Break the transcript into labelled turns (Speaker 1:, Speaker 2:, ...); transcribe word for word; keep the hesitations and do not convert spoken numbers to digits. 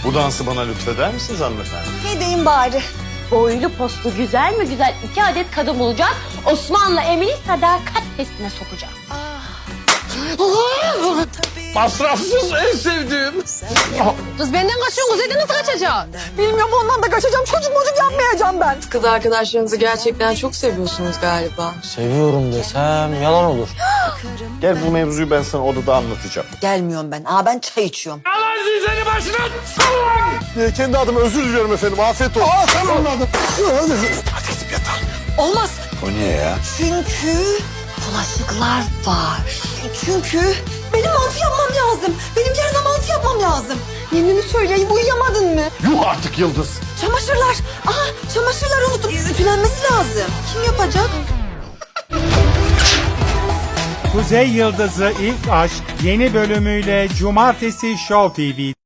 Speaker 1: Bu dansı bana lütfeder misiniz hanımefendi?
Speaker 2: Ne diyeyim bari?
Speaker 3: Boylu postlu güzel mi güzel iki adet kadın bulacağız. Osman'la Emin'i sadakat testine sokacağız.
Speaker 1: Masrafsız en sevdiğim.
Speaker 4: Kız benden kaçıyorsun. Kuzey'den nasıl kaçacaksın?
Speaker 2: Bilmiyorum, ondan da kaçacağım. Çocuk mocuk yapmayacağım ben.
Speaker 5: Kız arkadaşlarınızı gerçekten çok seviyorsunuz galiba.
Speaker 6: Seviyorum desem yalan olur.
Speaker 1: Gel bu mevzuyu ben sana odada anlatacağım.
Speaker 2: Gelmiyorum ben. Aa, ben çay içiyorum.
Speaker 1: Ee, kendi adıma özür diliyorum efendim. Afiyet olsun. Aa, sen anladın. Hadi gidip yatalım.
Speaker 2: Olmaz.
Speaker 1: O niye ya?
Speaker 2: Çünkü bulaşıklar var. Çünkü benim mantı yapmam lazım. Benim yarına mantı yapmam lazım. Yeminimi söyleyeyim, uyuyamadın mı?
Speaker 1: Yuh artık Yıldız.
Speaker 2: Çamaşırlar. Aha, çamaşırlar unuttum. Ütülenmesi lazım. Kim yapacak?
Speaker 7: Kuzey Yıldızı İlk Aşk yeni bölümüyle Cumartesi Show T V.